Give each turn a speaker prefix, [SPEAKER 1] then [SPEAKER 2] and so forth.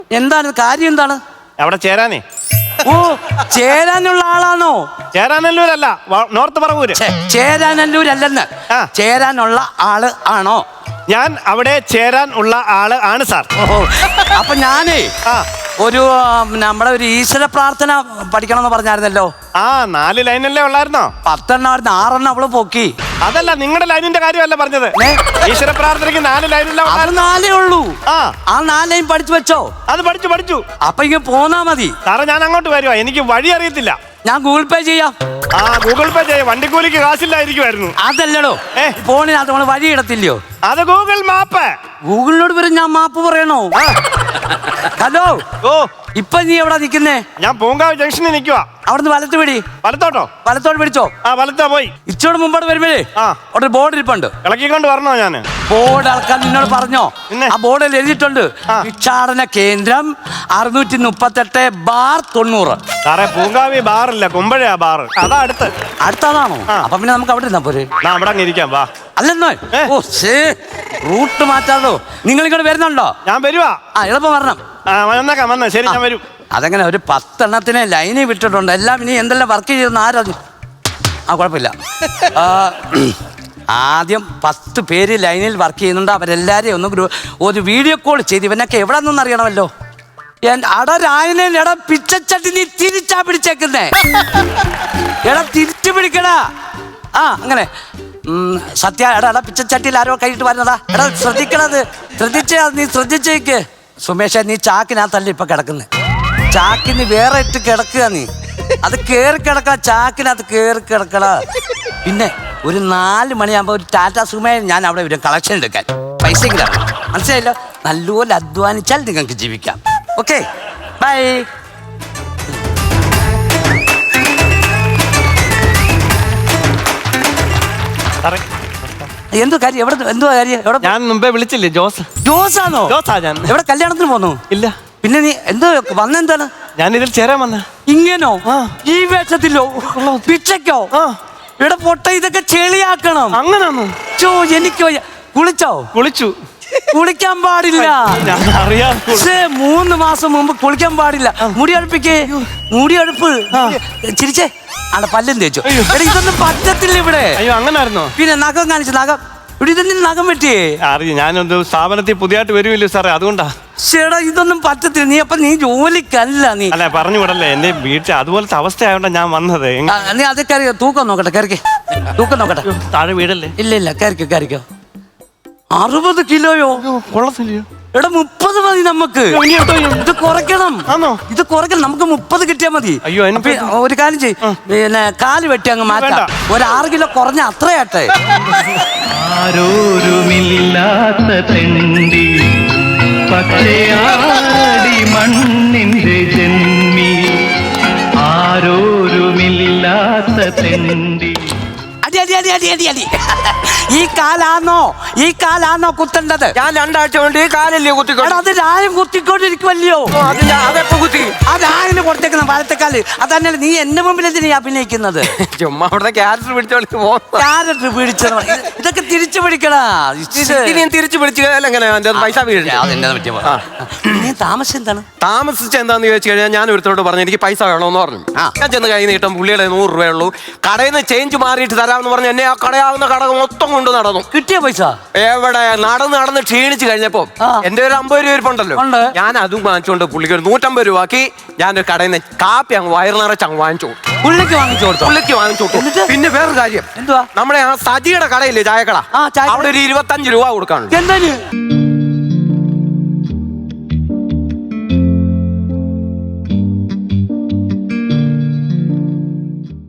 [SPEAKER 1] എന്താണ് കാര്യം? എന്താണ്
[SPEAKER 2] അവിടെ ചേരാനേ?
[SPEAKER 1] ഓ, ചേരാനുള്ള ആളാണോ?
[SPEAKER 2] ചേരാനല്ലൂരല്ല, നോർത്ത് പറവൂര്.
[SPEAKER 1] ചേരാനല്ലൂരല്ലെന്ന്, ചേരാനുള്ള ആള് ആണോ?
[SPEAKER 2] ഞാൻ അവിടെ ചേരാൻ ഉള്ള ആള് ആണ് സാർ.
[SPEAKER 1] ഓഹോ, അപ്പൊ ഞാനേ ഒരു നമ്മുടെ ഒരു ഈശ്വര പ്രാർത്ഥന പഠിക്കണമെന്ന് പറഞ്ഞായിരുന്നല്ലോ.
[SPEAKER 2] 4 ലൈനല്ലേ ഉള്ളായിരുന്നോ?
[SPEAKER 1] 10 എണ്ണമായിരുന്നു, 6 എണ്ണം അവള് പൊക്കി.
[SPEAKER 2] അതല്ല, നിങ്ങളുടെ ലൈനിന്റെ കാര്യമല്ല പറഞ്ഞത്. ഈശ്വര പ്രാർത്ഥനയ്ക്ക് 4 ലൈനില്ല,
[SPEAKER 1] 4 ഉള്ളൂ. ആ 4 ലൈൻ പഠിച്ചു വെച്ചോ?
[SPEAKER 2] അത് പഠിച്ചു.
[SPEAKER 1] അപ്പൊ ഇങ്ങനെ പോന്നാ മതി
[SPEAKER 2] സാറേ. ഞാൻ അങ്ങോട്ട് വരുവാ, എനിക്ക് വഴി അറിയത്തില്ല.
[SPEAKER 1] ഞാൻ ഗൂഗിൾ പേ ചെയ്യാം.
[SPEAKER 2] ഗൂഗിൾ പേ ചെയ്യാം. വണ്ടിക്കൂലിക്ക് കാശില്ലായിരിക്കുമായിരുന്നു.
[SPEAKER 1] അതല്ലടോ, ഫോണിനകത്ത് നമ്മള് വഴി ഇടത്തില്ലയോ?
[SPEAKER 2] അത് ഗൂഗിൾ മാപ്പ്.
[SPEAKER 1] ഗൂഗിളിനോട് വരും ഞാൻ മാപ്പ് പറയണോ? ഹലോ, ഇപ്പൊ നീ എവിടാ നിക്കുന്നേ?
[SPEAKER 2] ഞാൻ പൂങ്കാവ് ജംഗ്ഷനിൽ നിൽക്കുവാ.
[SPEAKER 1] അവിടുന്ന് വലത്ത് പിടി.
[SPEAKER 2] വലത്തോട്ടോ?
[SPEAKER 1] വലത്തോട്ട് പിടിച്ചോ.
[SPEAKER 2] വലത്താ പോയി.
[SPEAKER 1] ഇച്ചോട് മുമ്പോട്ട് വരുമ്പോഴേ അവിടെ ഒരു ബോർഡ് ഇരിപ്പുണ്ട്.
[SPEAKER 2] ഇളക്കിക്കൊണ്ട് വരണോ? ഞാൻ
[SPEAKER 1] ബോർഡ് ഇളക്കാൻ നിന്നോട് പറഞ്ഞോ? ആ ബോർഡിൽ എഴുതിയിട്ടുണ്ട്, ഭിക്ഷാടന കേന്ദ്രം 638/90.
[SPEAKER 2] സാറേ, പൂങ്കാവി ബാറില്ല, കുമ്പഴയാ ബാറ്. അതാ അടുത്തതാണോ?
[SPEAKER 1] അപ്പൊ പിന്നെ നമുക്ക് അവിടെ ഇരുന്നാ പോരെ?
[SPEAKER 2] അവിടെ അങ്ങ് ഇരിക്കാം, വാ.
[SPEAKER 1] അല്ലെന്നോ? ഓ ശേ, റൂട്ട് മാറ്റാതോ. നിങ്ങൾ ഇങ്ങോട്ട് വരുന്നുണ്ടോ?
[SPEAKER 2] ഞാൻ വരുവാ.
[SPEAKER 1] എളുപ്പം വരണം.
[SPEAKER 2] വന്നേക്കാം. ശരി, ഞാൻ വരും.
[SPEAKER 1] അതെങ്ങനെ ഒരു 10 എണ്ണത്തിനെ ലൈനിൽ വിട്ടിട്ടുണ്ട്. എല്ലാം ഇനി എന്തെല്ലാം വർക്ക് ചെയ്യുന്ന ആരാ? കുഴപ്പമില്ല. ആദ്യം 10 പേര് ലൈനിൽ വർക്ക് ചെയ്യുന്നുണ്ട്. അവരെല്ലാരെയും ഒന്ന് ഒരു വീഡിയോ കോൾ ചെയ്ത് ഇവനൊക്കെ എവിടെ നിന്നൊന്നും അറിയണമല്ലോ. എടാ പിച്ചച്ചട്ടി നീ തിരിച്ചാ പിടിച്ചേക്കുന്നേ. എടാ തിരിച്ചു പിടിക്കടാ. അങ്ങനെ സത്യ. എടാ പിച്ചച്ചട്ടിയിൽ ആരോ കൈയിട്ട് വരുന്നതാ. എടാ ശ്രദ്ധിക്കണത്, നീ ശ്രദ്ധിച്ചേക്ക്. സുമേഷ, നീ ചാക്കിനകത്തല്ല ഇപ്പൊ കിടക്കുന്നത്. ചാക്കിന് വേറെ ഇട്ട് കിടക്കുക. നീ അത് കേറി കിടക്ക, ചാക്കിനകത്ത് കേറി കിടക്കട. പിന്നെ ഒരു 4 മണിയാകുമ്പോ ഒരു ടാറ്റ സുമേ ഞാൻ അവിടെ വരും കളക്ഷൻ എടുക്കാൻ. പൈസ മനസ്സിലായല്ലോ. നല്ലപോലെ അധ്വാനിച്ചാൽ നിങ്ങൾക്ക് ജീവിക്കാം. Okay, bye. എന്തോ കാര്യം? എന്തുവാ കാര്യം?
[SPEAKER 2] ഞാൻ മുമ്പേ വിളിച്ചില്ലേ?
[SPEAKER 1] ജോസാണോ?
[SPEAKER 2] ഞാൻ
[SPEAKER 1] എവിടെ കല്യാണത്തിന് പോന്നു?
[SPEAKER 2] ഇല്ല.
[SPEAKER 1] പിന്നെ നീ എന്തോ വന്നെന്താണ്?
[SPEAKER 2] ഞാൻ ഇതിൽ ചേരാൻ വന്ന.
[SPEAKER 1] ഇങ്ങനോ? ഈ വേഷത്തിലോ? പിച്ചക്കോ? ഇവിടെ പൊട്ട ഇതൊക്കെ ചെളിയാക്കണം.
[SPEAKER 2] അങ്ങനാണോ?
[SPEAKER 1] എനിക്ക് കുളിച്ചു. കുളിക്കാൻ പാടില്ല. 3 മാസം മുമ്പ് കുളിക്കാൻ പാടില്ല. മുടി അടുപ്പ് ചിരിച്ചേ. പല്ലും തേച്ചു. ഇതൊന്നും പറ്റത്തില്ല ഇവിടെ.
[SPEAKER 2] അയ്യോ, അങ്ങനായിരുന്നോ?
[SPEAKER 1] പിന്നെ നഖം കാണിച്ചു. ഇവിടെ ഇതൊന്നും നഖം പറ്റിയേ.
[SPEAKER 2] ഞാനൊരു സ്ഥാപനത്തിൽ പുതിയതായിട്ട് വരുമില്ലേ സാറേ, അതുകൊണ്ടാ.
[SPEAKER 1] ചേടാ, ഇതൊന്നും പറ്റത്തില്ല. നീ ജോലിക്കല്ല. നീ
[SPEAKER 2] അല്ല, പറഞ്ഞു വിടല്ലേ. എന്റെ വീട്ടിൽ അതുപോലത്തെ അവസ്ഥ ആയതുകൊണ്ടാ ഞാൻ വന്നത്.
[SPEAKER 1] നീ അത് കയറിയോ? തൂക്കം നോക്കട്ടെ. തൂക്കം നോക്കട്ടെ.
[SPEAKER 2] താഴെ വീടല്ലേ?
[SPEAKER 1] ഇല്ല, കയറിക്കോ. 60 കിലോയോ?
[SPEAKER 2] കൊള്ളത്തില്ലയോ?
[SPEAKER 1] എടാ 30 മതി നമുക്ക്. ഇത് കുറയ്ക്കണം. ഇത് കുറയ്ക്കണം. നമുക്ക് 30 കിട്ടിയാൽ മതി.
[SPEAKER 2] അയ്യോ,
[SPEAKER 1] ഒരു കാര്യം ചെയ്യ്, പിന്നെ കാല് വെട്ടി അങ്ങ് മാറ്റാം. ഒരു 6 കിലോ കുറഞ്ഞ അത്രയാട്ടെ.
[SPEAKER 3] ആരോരുമില്ലാത്ത തെണ്ടി പക്ഷിയാടി മണ്ണിന്റെ ജന്മി. ആരോരുമില്ലാത്ത തെണ്ടി.
[SPEAKER 1] അടി. ഈ കാലാണോ കുത്തേണ്ടത്?
[SPEAKER 4] ഞാൻ 2 ആഴ്ച കൊണ്ട് ഈ കാലല്ലേ കുത്തിക്കൊണ്ട്.
[SPEAKER 1] അത് രായം കുത്തിക്കൊണ്ടിരിക്കുമല്ലോ.
[SPEAKER 4] അതെപ്പോ കുത്തി?
[SPEAKER 1] ആ രായന് കൊടുത്തേക്കുന്ന വലത്തേക്കാല്. അതന്നെ നീ എന്റെ മുമ്പിൽ എന്തിനാ അഭിനയിക്കുന്നത്?
[SPEAKER 4] ചുമ്മാ അവിടുത്തെ ക്യാരക്ടർ
[SPEAKER 1] പിടിച്ചത്. ഇതൊക്കെ തിരിച്ചു പിടിക്കടാ.
[SPEAKER 4] തിരിച്ചു പിടിച്ചു പൈസ
[SPEAKER 1] നീ താമസം എന്താണ്?
[SPEAKER 4] താമസിച്ച എന്താന്ന് ചോദിച്ചു കഴിഞ്ഞാൽ ഞാൻ ഒരുത്തോട് പറഞ്ഞു എനിക്ക് പൈസ വേണമെന്ന് പറഞ്ഞു. ഞാൻ ചെന്ന് കൈ നീട്ടം പുള്ളിയുടെ 100 രൂപയുള്ളൂ. കടയിൽ നിന്ന് ചേഞ്ച് മാറിയിട്ട് തരാമെന്ന് പറഞ്ഞു എന്നെ ആ കടയാവുന്ന കട മൊത്തം കൊണ്ട് നടന്നു.
[SPEAKER 1] കിട്ടിയ പൈസ
[SPEAKER 4] എവിടെ? നടന്ന് ക്ഷീണിച്ച് കഴിഞ്ഞപ്പോ എന്റെ ഒരു 50 രൂപ ഇരിപ്പുണ്ടല്ലോ, ഞാൻ അതും വാങ്ങിച്ചുകൊണ്ട് പുള്ളിക്ക് ഒരു 150 രൂപ ആക്കി ഞാനൊരു കടയിൽ നിന്ന് കാപ്പി അങ്ങ് വയറ് നിറച്ച് അങ്ങ് വാങ്ങിച്ചു.
[SPEAKER 1] പുള്ളിക്ക് വാങ്ങിച്ചു കൊടുത്തു.
[SPEAKER 4] പിന്നെ വേറൊരു കാര്യം,
[SPEAKER 1] എന്തുവാ?
[SPEAKER 4] നമ്മുടെ ആ സജിയുടെ കടയില്ലേ, ചായക്കട, അവിടെ ഒരു 25 രൂപ കൊടുക്കാനുണ്ട്.
[SPEAKER 1] എന്താ